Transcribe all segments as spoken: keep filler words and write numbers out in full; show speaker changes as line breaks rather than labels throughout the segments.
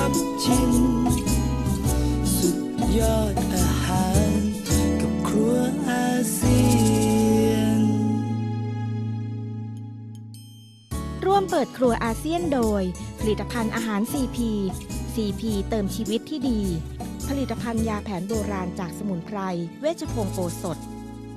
บชิมสุดยอดอาหารกับครัวอาเซียน
ร่วมเปิดครัวอาเซียนโดยผลิตภัณฑ์อาหาร ซี พี ซี พี เติมชีวิตที่ดีผลิตภัณฑ์ยาแผนโบราณจากสมุนไพรเวชพงศ์โอสถ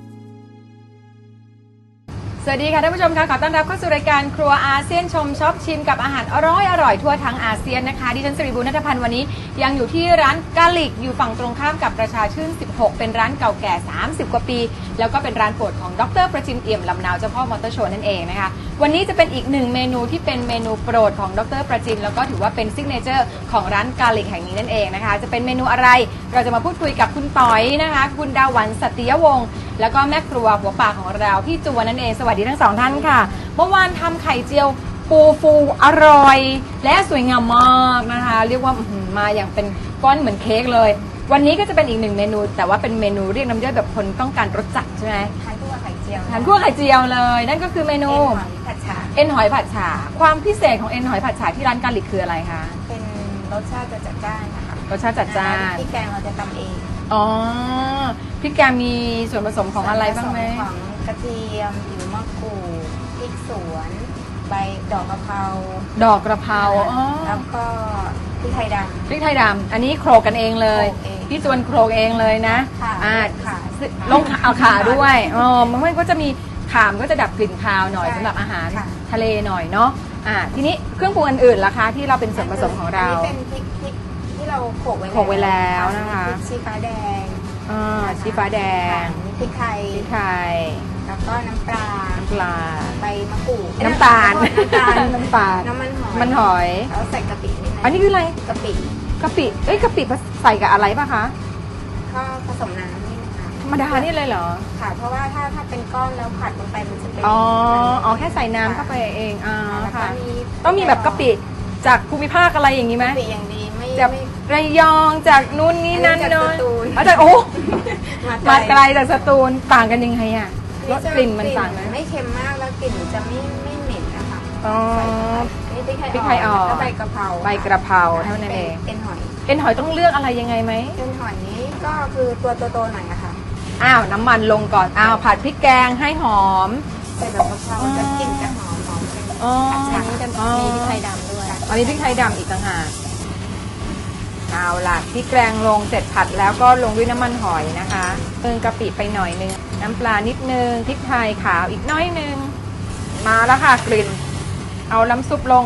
สวัสดีค่ะท่านผู้ชมค่ะขอต้อนรับเข้าสู่รายการครัวอาเซียนชมช็อปชิมกับอาหารอร่อยอร่อยทั่วทั้งอาเซียนนะคะดิฉันสิริบุญณัฐพันธ์วันนี้ยังอยู่ที่ร้านกาลิกอยู่ฝั่งตรงข้ามกับประชาชื่นสิบหกเป็นร้านเก่าแก่สามสิบกว่าปีแล้วก็เป็นร้านโปรดของดร.ประจินเอี่ยมลำนาวเจ้าพ่อมอเตอร์โชว์นั่นเองนะคะวันนี้จะเป็นอีกหนึ่งเมนูที่เป็นเมนูโปรดของดร.ประจินแล้วก็ถือว่าเป็นซิกเนเจอร์ของร้านกาลิกแห่งนี้นั่นเองนะคะจะเป็นเมนูอะไรเราจะมาพูดคุยกับคุณต๋อยนะคะคุณดาวันสัตยวงศ์แล้วก็แม่ครัวหัวป่าของเราพี่จวนนั่นเองสวัสดีทั้งสองท่านค่ะเมื่อวานทำไข่เจียวปูฟูอร่อยและสวยงามมากนะคะเรียกว่ามาอย่างเป็นก้อนเหมือนเค้กเลยวันนี้ก็จะเป็นอีกหนึ่งเมนูแต่ว่าเป็นเมนูเรียกน้ำย่อยแบบคนต้องการรสจัดใช่ไหม
ทานคู่กับไข่เจียว
ทานคู่กับไข่เจียวเลยนั่นก็คือเมนู
เอ็นหอยผัดฉ่า
เอ็นหอยผัดฉ่าความพิเศษของเอ็นหอยผัดฉ่าที่ร้านกาลิกคืออะไรคะ
เป็นรสชาติจะจัดจ้านนะคะ
รสชาติจัดจ้าน
พริกแกงเราจะทำเอง
อ๋อพริกแกงมีส่วนผสมของอะไรบ้างไหม
ของกระเทียมผิวมะกรูดพริกสวนใบดอกกะเพรา
ดอกกระเพราอ๋อ
แล้วก็พริกไทยดำ
พริกไทยดำอันนี้โขลกกันเองเลยพี่จวนโขลกเองเลยนะ
อ่า
ลงเอาขาด้วยอ๋อมันก็จะมีขามก็จะดับกลิ่นคาวหน่อยสำหรับอาหารทะเลหน่อยเนาะอ่าทีนี้เครื่องปรุงอื่นๆล่ะคะที่เราเป็นส่วนผสมของเรา
เป็นพริกพริกที่เราโขลกไว้
โขลกไว้แล้วนะคะ
ชีฟ้าแดง
อ่าชีฟ้าแดง
พริกไทย
พริกไทย
แล้วก็น้ำปลา
น้ำปลา
ใบมะกรูด
น้ำตาลน้ำตาลน้ำตาล
น้ำมันหอย
มันหอย
แล้วใส่กะปินิดนึง
อันนี้คืออะไร
กะปิ
กะปิเอ้ยกะปิใส่กับอะไรป่ะคะ
ก็ผสมน้ำนี่นะคะ
ธรรมดานี่เลยเหรอ
ค่ะเพราะว่าถ้าถ้าเป็นก้อนแล้วผัดลงไปมันจะเป็น
อ๋ออ๋อแค่ใส่น้ำเข้าไปเองอ่าค่ะต้องมีแบบกะปิจากภูมิภาคอะไรอย่างนี้ไหม
กะปิอย่างดีไม่
จากระยองจากนู่นนี่นั่น
เนาะ
อาจารย์โอ้มาไกลจากสตูลต่างกันยังไงอ่ะรสกลิ่นมันต่างไหม
ไม่เค็มมากแล้วกลิ่นจะไม่ไม่เหม็นนะคะ
อ๋อ
พริกไทยอ่อนแล้วใบกระเพรา
ใบกระเพราเท่านั้นเอง
เอ็นหอย
เอ็นหอยต้องเลือกอะไรยังไงไหม
เอ็นหอยนี้ก็คือตัวโตๆหน่อยอะค่ะ
อ้าวน้ำมันลงก่อนอ้าวผัดพริกแกงให้หอม
ใส่ใบกระเพราจะกลิ่นจะหอมหอมเป็นผัดฉ่าจะมีพริกไทยดำด้วย
อันนี้พริกไทยดำอีกต่างหากเอาล่ะพริกแกงลงเสร็จผัดแล้วก็ลงด้วยน้ำมันหอยนะคะเติมกะปิไปหน่อยนึงน้ำปลานิดนึงพริกไทยขาวอีกน้อยนึงมาแล้วค่ะกลิ่นเอาน้ำซุปลง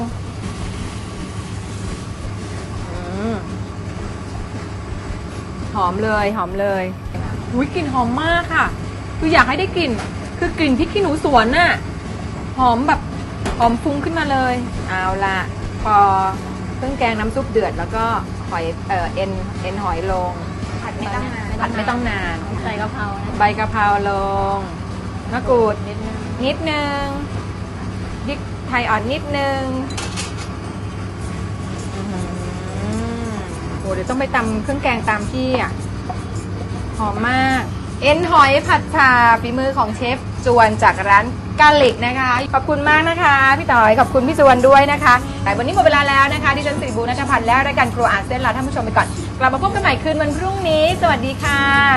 หอมเลยหอมเลยอุ้ยกลิ่นหอมมากค่ะคืออยากให้ได้กลิ่นคือกลิ่นพริกขี้หนูสวนน่ะหอมแบบหอมฟุ้งขึ้นมาเลยเอาล่ะพอเครื่องแกงน้ำซุปเดือดแล้วก็หอยเอ่อเอ็นเอ็นหอยลง
ผัดไม่ต้องนาน
ผัดไม่ต้องนาน
ใส่กะเพรา
ใบกะเพราลงมะกรูดนิดนึงนิดนึงพริกไทยอ่อนนิดนึงโอ้เดี๋ยวต้องไปตำเครื่องแกงตามที่อ่ะหอมมากเอ็นหอยผัดฉ่าฝีมือของเชฟจวนจากร้านกาลิกนะคะขอบคุณมากนะคะพี่ต่อยขอบคุณพี่จวนด้วยนะคะแต่วันนี้หมดเวลาแล้วนะคะดิฉันสิริบุญณัฐพันธ์และรายการครัวอาเซียนลาท่านผู้ชมไปก่อนกลับมาพบกันใหม่คืนวันพรุ่งนี้สวัสดีค่ะ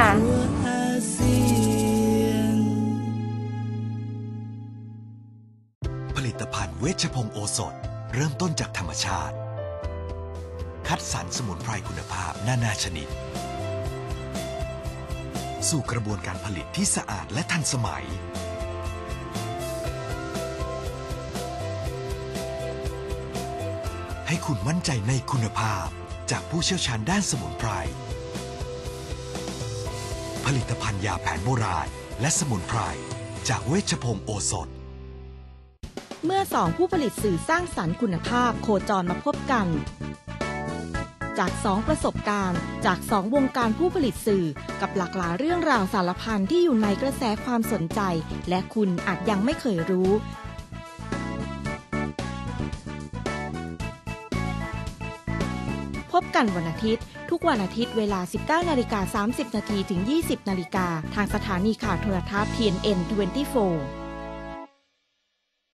ผลิตภัณฑ์เวชพงศ์โอสถเริ่มต้นจากธรรมชาติคัดสรรสมุนไพรคุณภาพนานาชนิดสู่กระบวนการผลิตที่สะอาดและทันสมัยให้คุณมั่นใจในคุณภาพจากผู้เชี่ยวชาญด้านสมุนไพรผลิตภัณฑ์ยาแผนโบราณและสมุนไพรจากเวชพงศ์โอสถ
เมื่อสองผู้ผลิตสื่อสร้างสรรค์คุณภาพโคจรมาพบกันจากสองประสบการณ์จากสองวงการผู้ผลิตสื่อกับหลากหลายเรื่องราวสารพันที่อยู่ในกระแสความสนใจและคุณอาจยังไม่เคยรู้พบกันวันอาทิตย์ทุกวันอาทิตย์เวลา สิบเก้านาฬิกาสามสิบนาที ถึง ยี่สิบนาฬิกาทางสถานีข่าวโทรทัศน์ ที เอ็น เอ็น ยี่สิบสี่